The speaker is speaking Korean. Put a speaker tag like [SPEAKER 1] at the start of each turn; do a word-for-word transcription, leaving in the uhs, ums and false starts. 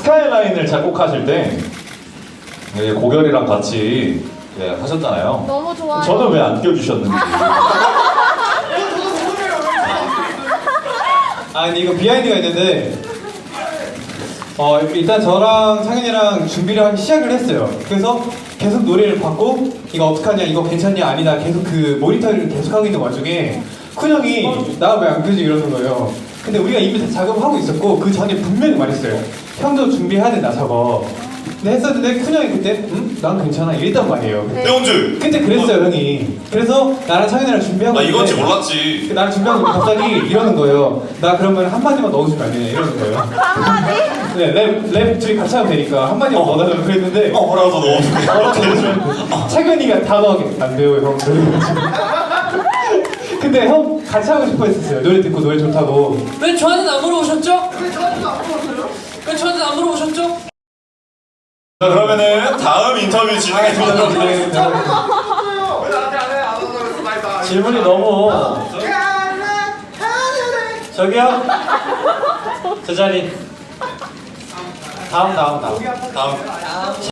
[SPEAKER 1] 스카이라인을 작곡하실 때 예, 고결이랑 같이 예, 하셨잖아요.
[SPEAKER 2] 너무 좋아요.
[SPEAKER 1] 저는 왜 안 껴주셨는지.
[SPEAKER 3] 아 근데 이거 비하인드가 있는데 어 일단 저랑 상현이랑 준비를 하기 시작을 했어요. 그래서 계속 노래를 받고 이거 어떡하냐 이거 괜찮냐 아니다 계속 그 모니터를 계속 하고 있는 와중에 쿤 형이 나 왜 안 켜지 이러는 거예요. 근데 우리가 이미 다 작업을 하고 있었고 그 전에 분명히 말했어요. 형도 준비해야 된다 작업. 근데 했었는데 쿤 형이 그때 응? 난 괜찮아 이랬단 말이에요.
[SPEAKER 2] 네.
[SPEAKER 4] 태원주!
[SPEAKER 3] 그때 그랬어요 형이. 그래서 나랑 창현이랑 준비하고
[SPEAKER 4] 나 이건지
[SPEAKER 3] 있는데
[SPEAKER 4] 몰랐지.
[SPEAKER 3] 나랑 준비하고 있는데 갑자기 이러는 거예요. 나 그러면 한마디만 넣어주면 안 되냐 이러는 거예요.
[SPEAKER 2] 한마디?
[SPEAKER 3] 네, 랩, 랩 둘이 같이 하면 되니까 한마디만
[SPEAKER 4] 어.
[SPEAKER 3] 넣어달라고 그랬는데
[SPEAKER 4] 어, 뭐라고 넣어주면.
[SPEAKER 3] 창현이가 다 넣어게 안 돼요 형. 근데 형 같이 하고 싶어 했었어요. 노래 듣고 노래 좋다고.
[SPEAKER 5] 왜 저한테는 안 물어보셨죠? 왜 저한테는 안 물어보세요? 왜 저한테는 안 물어보셨죠?
[SPEAKER 4] 자, 그러면은 다음 인터뷰 진행해 보도록 하겠습니다.
[SPEAKER 1] 질문이 너무. 저기요? 저 자리. 다음, 다음, 다음.
[SPEAKER 4] 다음.